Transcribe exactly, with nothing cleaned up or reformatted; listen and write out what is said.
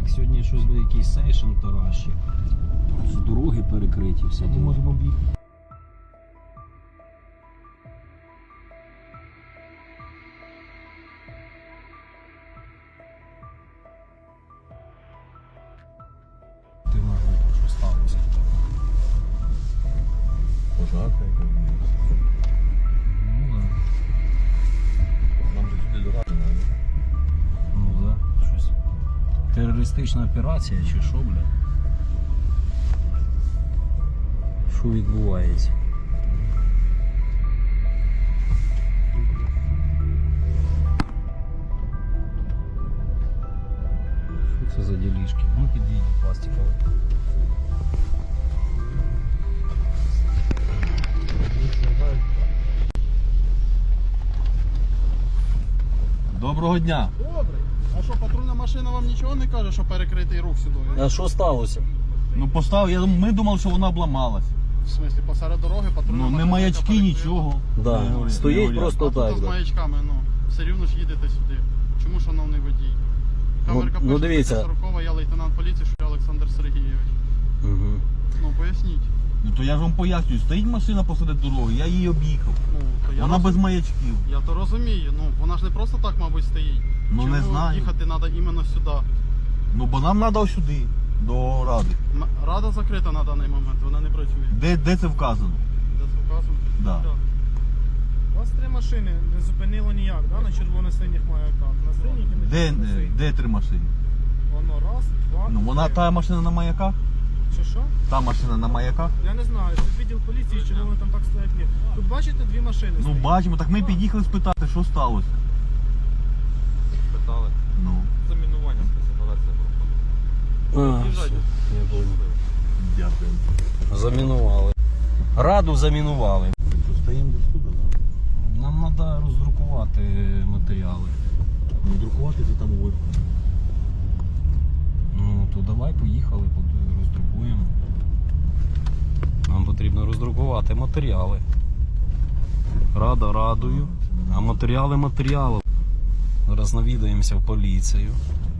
Так, сьогодні щось буде якийсь сейшн таращик. З дороги перекриті, все. Ми можемо об'їхати. Ти на групу, що сталося? Пожарка якась. Ну да. Нам же сюди дорога не. Ну да, щось. Терористична операція чи що, бля? Що відбувається? Що це за ділішки? Ну підійдіть пластикові. Доброго дня. Добре. А що, патрульна машина вам нічого не каже, що перекритий рух сюди? А що сталося? Ну постав, я дум- ми думали, що вона обламалась. В смислі, посеред дороги патрульна Ну машина. не маячки, яка перекрила. нічого. Да, Не горять, стоїть не горять. просто А так. тут з да. маячками, ну. Все рівно ж їдете сюди. Чому, шановний водій? Камерка ну, пише дивіться. сорокова, я лейтенант поліції, що я Олександр Сергійович. Угу. Ну, поясніть. Ну то я ж вам пояснюю, стоїть машина посеред дороги, я її об'їхав. Ну, то я, Вона роз- без маячків. я то розумію. Ну, вона ж не просто так, мабуть, стоїть. Ну, Чому не знаю. їхати треба іменно сюди? Ну бо нам треба сюди, до ради. М- Рада закрита на даний момент, вона не працює. Де, де це вказано? Де це вказано? Да. Так. У вас три машини не зупинило ніяк, да? На червоно-синіх маяках. На синіх і на Де, червоно-синіх. де три машини? Воно раз, два, Ну вона три. та машина на маяках? Що що? Та машина на маяках? Я не знаю, це відділ поліції, чи вони там так стоять. Ні. Тут бачите дві машини Ну стоять. бачимо, так ми під'їхали спитати, що сталося. Питали. Ну. Замінування спецоперація проходить. А, все, я понял. Дякую. Замінували. Раду замінували. Що, стоїмо десь тут, так? Нам треба роздрукувати матеріали. Ну, друкувати це там вверху. Ну, то давай, поїхали, под- роздрукуємо. Нам потрібно роздрукувати матеріали. Рада радою, а матеріали матеріалом. Зараз навідаємося в поліцію.